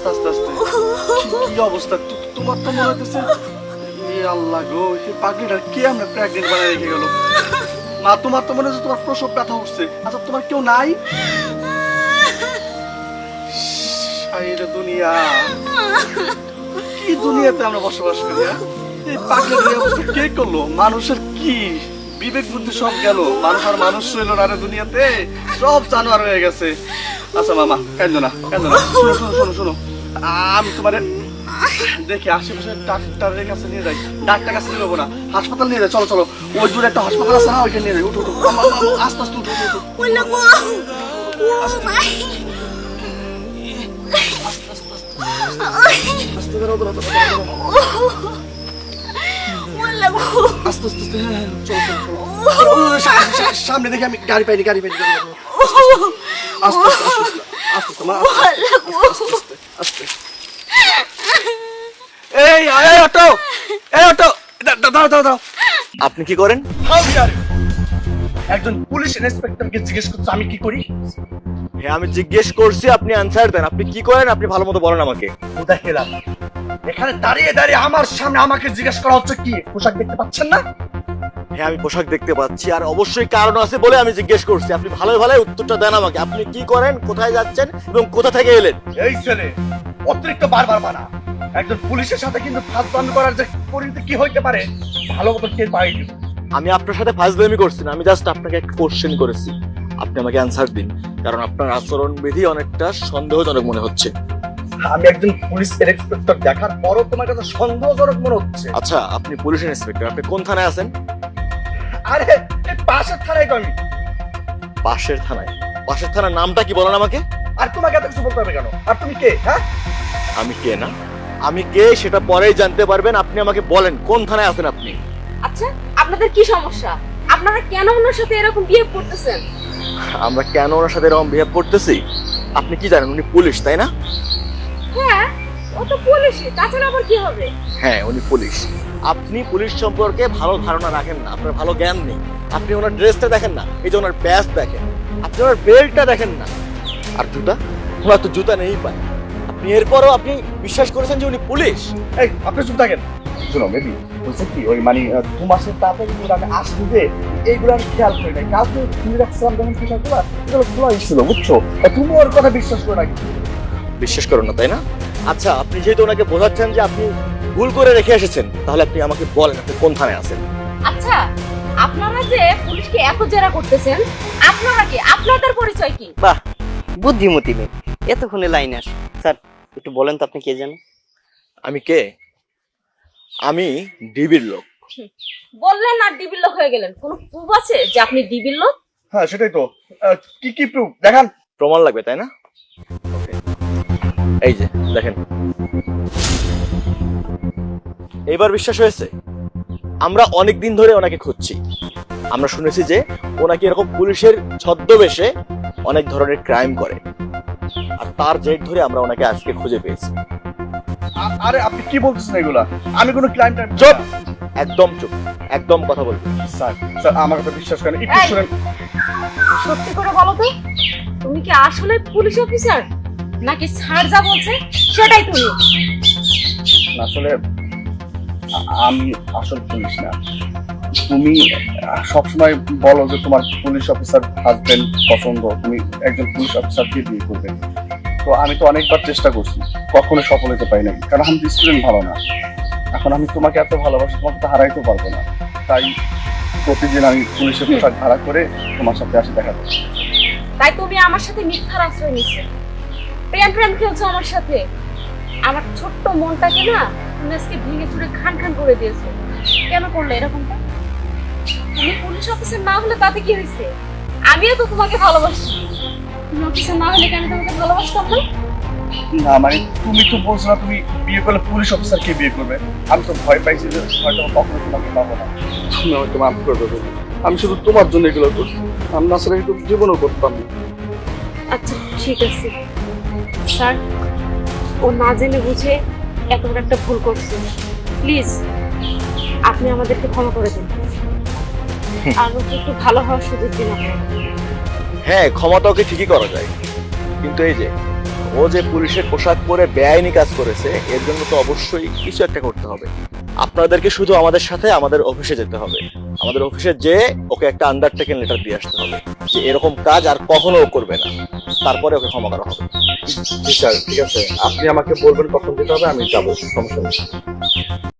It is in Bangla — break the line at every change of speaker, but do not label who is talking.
আস্তে আস্তে আস্তে কি অবস্থা তোমার তো মনে হইতেছে আল্লাহ গো এই পাগলিটার কে আমরা প্রেগনেন্ট বানায় রেখে গেল মা তোমার তো মনে হচ্ছে তোমার প্রসব ব্যথা উঠছে আচ্ছা তোমার কেউ নাই সাইরে দুনিয়া কি দুনিয়াতে আমরা বসবাস করি এই পাগলের অবস্থা কে করলো মানুষের কি বিবেক বুদ্ধি সব গেল মানুষ আর মানুষ রইল না রে দুনিয়াতে সব জানোয়ার হয়ে গেছে আচ্ছা মামা কেন না শোনো শোনো শোনো শোনো আমি তোমারে দেখি আশেপাশে ডাক্তারের কাছে নিয়ে যাই ডাক্তার কাছে নিয়ে যাবো না হাসপাতাল নিয়ে যাই চলো চলো ওই দূরে একটা হাসপাতাল আছে না ওইখানে নিয়ে যাই উঠো উঠো আস্তে আস্তে উঠো উঠো আস্তে ধরো ধরো আস্তে আস্তে হ্যাঁ চলো চলো চলো সামনে দেখি আমি গাড়ি পাইনি আস্তে আস্তে আস্তে মা আস্তে এই অটো দাঁড়াও
আপনি কি করেন?
একজন পুলিশ ইন্সপেক্টরকে জিজ্ঞেস করছো আমি কি করি
হ্যাঁ আমি জিজ্ঞেস করছি, আপনি আনসার দেন। আপনি কি করেন আপনি ভালো মতো বলেন আমাকে।
কোথায় খেলাম এখানে দাঁড়িয়ে দাঁড়িয়ে আমার সামনে আমাকে জিজ্ঞেস করা হচ্ছে কি পোশাক দেখতে পাচ্ছেন না?
হ্যাঁ আমি পোশাক দেখতে পাচ্ছি আর অবশ্যই কারণ আছে বলে আমি জিজ্ঞেস করছি। আপনি ভালো ভালো উত্তরটা দেন আমাকে। আপনি কি করেন, কোথায় যাচ্ছেন এবং কোথা থেকে এলেন?
এই ছেলে অতিরিক্ত বারবার বানা একজন পুলিশের সাথে কিন্তু ফাজলামি করার যে পরিণতি কি হইতে পারে ভালো মতো টের পাইনি।
আমি আপনার সাথে ফাজলামি করছি না, আমি জাস্ট আপনাকে একটা কোশ্চেন করেছি, আপনি আমাকে অ্যানসার দিন, কারণ আপনার আচরণবিধি অনেকটা সন্দেহজনক মনে হচ্ছে।
আমি একজন পুলিশ ইন্সপেক্টর দেখার পরও তোমার কাছে সন্দেহজনক মনে হচ্ছে?
আচ্ছা আপনি পুলিশ ইন্সপেক্টর, আপনি কোন থানায় আছেন?
আরে এই পাশের থানায় তো আমি।
পাশের থানায়? পাশের থানার নামটা কি বলেন আমাকে?
আর তোমাকে এত কিছু বলতে হবে কেন? আর তুমি কে? হ্যাঁ
আমি কে না, আমি কে সেটা পরেই জানতে পারবেন। আপনি আমাকে বলেন কোন থানায় আছেন আপনি?
আচ্ছা আপনাদের কি সমস্যা? আপনারা কেন ওনার সাথে এরকম বিহেভ করতেছেন?
আমরা কেন ওনার সাথে এরকম বিহেভ করতেছি আপনি কি জানেন? উনি পুলিশ, তাই না?
হ্যাঁ ও তো পুলিশই, তাছাড়া আবার কি হবে?
হ্যাঁ উনি পুলিশ। আপনি পুলিশ সম্পর্কে ভালো ধারণা রাখেন না, আপনার ভালো জ্ঞান নেই। আপনি ওনার ড্রেসটা দেখেন না, এই যে ওনার ব্যাজ দেখেন, আপনি ওনার বেল্টটা দেখেন না, আর জুতা, ওনার তো জুতা নেই পায়। আপনি এরপরও আপনি বিশ্বাস করেছেন যে উনি পুলিশ?
এই আপনি চুপ থাকেন। শোনো বেবি বলছে কি ওই মানে 2 মাসের তাড়াতাড়ি আমি আসছি যে এইগুলো আমি খেয়াল করি নাই। কালকে তুমি রাখছিলাম যখন পোশাকগুলো এগুলো খোলা ছিল বুঝছো, তুমি ওর কথা বিশ্বাস করে নাকি?
বিশ্বাস করুন না তাই না? আচ্ছা আপনি যেহেতু ওনাকে বোঝাচ্ছেন যে আপনি ভুল করে রেখে এসেছেন, তাহলে আপনি আমাকে বলেন আপনি কোন থানায় আছেন।
আচ্ছা আপনারা যে পুলিশকে এত জেরা করতেছেন, আপনারা কি, আপনাদের পরিচয় কি?
বাহ বুদ্ধিমতী মেয়ে, এতক্ষণে লাইন আস। স্যার একটু বলেন তো আপনি কে জানেন?
আমি কে? আমি ডিবির লোক।
বললেন আর ডিবির লোক হয়ে গেলেন, কোনো প্রুফ আছে যে আপনি ডিবির লোক?
হ্যাঁ সেটাই তো। কি প্রুফ দেখান।
প্রমাণ লাগবে তাই না? এই যে দেখেন, এবার বিশ্বাস হয়েছে? আমরা অনেক দিন ধরে ওনাকে খুঁজছি। আমরা শুনেছি যে ওনাকে এরকম পুলিশের ছদ্মবেশে অনেক ধরনের ক্রাইম করে, আর তার জের ধরে আমরা ওনাকে আজকে খুঁজে পেয়েছি।
আরে আপনি কি বলতেছেন এগুলা? আমি কোনো ক্রাইম টাইম।
চুপ, একদম চুপ, একদম কথা বলবেন।
স্যার আমার কথা বিশ্বাস করেন, একটু শুনেন।
সত্যি করে বলো তো, তুমি কি আসলে পুলিশ অফিসার নাকি স্যার যা বলছে সেটাই তুমি?
আসলে আমি আসল পুলিশ না। তুমি সবসময় বলো যে তোমার পুলিশ অফিসার হাজবেন্ড পছন্দ, তুমি একজন পুলিশ অফিসারকে বিয়ে করবে। তো আমি তো অনেকবার চেষ্টা করছি, কখনো সফল হতে পারি নাই, কারণ আমি স্টুডেন্ট ভালো না। এখন আমি তোমাকে এত ভালোবাসি, তোমাকে তো হারাইতে পারবো না। তাই প্রতিদিন আমি পুলিশের পোশাক ভাড়া করে তোমার সাথে আসি দেখা করছি।
তাই তুমি আমার সাথে মিথ্যার আশ্রয় নিচ্ছে, প্রেম খেলছো আমার সাথে। আমার ছোট্ট মনটাকে না তুমি আজকে ভেঙে চুরে খান খান করে দিয়েছো। কেন করলে এরকমটা? তুমি পুলিশ অফিসার না হলে তাতে কি হয়েছে? আমিও তো তোমাকে ভালোবাসি। তুমি অফিসার না হলে কেন তোমাকে ভালোবাসতাম না?
না মানে তুমি তো বলছো না তুমি বিয়ে করলে পুলিশ অফিসারকে বিয়ে করবে। আমি তো ভয় পাইছি যে হয়তো কখনো তোমাকে পাবো না। তুমি হয়তো মাফ করে দেবো, আমি শুধু তোমার জন্য এগুলো করছি, আমি না আসলে জীবনও করতাম না।
আচ্ছা ঠিক আছে স্যার, ও না জেনে বুঝে এত বড় একটা ভুল করছে। প্লিজ আপনি আমাদেরকে ক্ষমা করে দিন, আর ওকে একটু ভালো হওয়ার সুযোগ দিন আপনি।
হ্যাঁ ক্ষমা তো ওকে ঠিকই করা যায়, কিন্তু এই যে ও ও যে পুলিশের পোশাক পরে বেআইনি কাজ করেছে এর জন্য তো অবশ্যই কিছু একটা করতে হবে। আপনাদেরকে শুধু আমাদের সাথে আমাদের অফিসে যেতে হবে। আমাদের অফিসে যে ওকে একটা আন্ডারটেকিং লেটার দিয়ে আসতে হবে যে এরকম কাজ আর কখনো ও করবে না, তারপরে ওকে ক্ষমা করা হবে।
জি স্যার, ঠিক আছে, আপনি আমাকে বলবেন কখন যেতে হবে, আমি যাবো, সমস্যা নেই।